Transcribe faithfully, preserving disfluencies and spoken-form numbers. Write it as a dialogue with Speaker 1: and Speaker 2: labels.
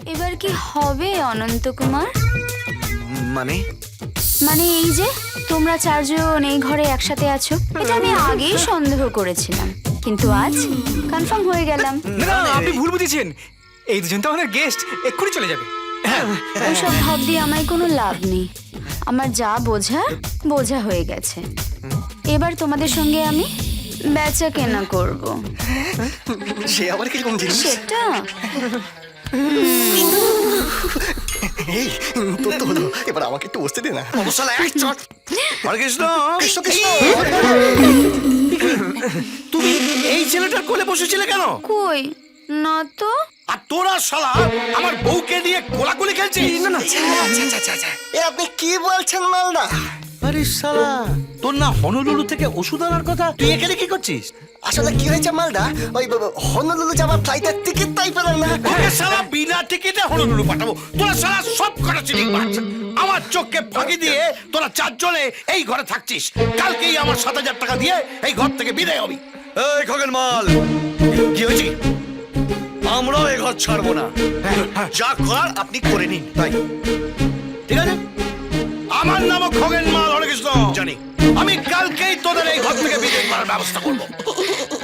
Speaker 1: এবার কি হবে অনন্ত কুমার?
Speaker 2: মানে
Speaker 1: মানে এই যে তোমরা চারজন এই ঘরে একসাথে আছো, এটা আমি আগেই সন্দেহ করেছিলাম, কিন্তু আজ কনফার্ম হয়ে গেলাম।
Speaker 3: না না, আপনি ভুল বুঝেছেন। এই দুজন তো আমাদের গেস্ট, এক্ষুনি চলে যাবে।
Speaker 1: ওইসব ভাব দিয়ে আমায় কোনো লাভ নেই। আমার যা বোঝা বোঝা হয়ে গেছে। এবার তোমাদের সঙ্গে আমি বেচা কেনা করব।
Speaker 2: সে আবার কিরকম জিনিস?
Speaker 1: সেটা
Speaker 2: এই তোর তো হলো, এবার আমাকে একটু বসতে দে না।
Speaker 4: মশলা এক চট। হরে কৃষ্ণ।
Speaker 2: কৃষ্ণ কৃষ্ণ।
Speaker 4: তুমি এই ছেলেটার কোলে বসেছিলে কেন?
Speaker 1: কই না তো।
Speaker 4: আর তোরা শালা আমার বউকে নিয়ে কোলাকুলি খেলছিস? না না,
Speaker 2: এ আপনি কি বলছেন মালদা?
Speaker 4: আরে শালা, তোর না হনলুলু থেকে ওষুধ আনার কথা, তুই এখানে কি করছিস?
Speaker 2: আসলে কি হয়েছে মালদা, ওই হনলুলু যাবার ফ্লাইটের টিকিট তাই পেলাম না।
Speaker 4: তোকে শালা বিনা টিকিটে হনলুলু পাঠাবো। তোরা শালা সব কটা চিনিং মাছ। আমার চোখকে ফাঁকি দিয়ে তোরা চারজনে এই ঘরে থাকছিস। কালকেই আমার সাত হাজার টাকা দিয়ে এই ঘর থেকে বিদায় হবি।
Speaker 5: এই খগেন মাল,
Speaker 4: কি হয়েছে?
Speaker 5: আমরাও এ ঘর ছাড়বো না। যা করার আপনি করে নিন। তাই
Speaker 4: ঠিক আছে, আমার নাম খগেন মাল, হরে কৃষ্ণ।
Speaker 5: জানি।
Speaker 4: আমি কালকেই তোদের এই ঘর থেকে বিদায় করার ব্যবস্থা করবো।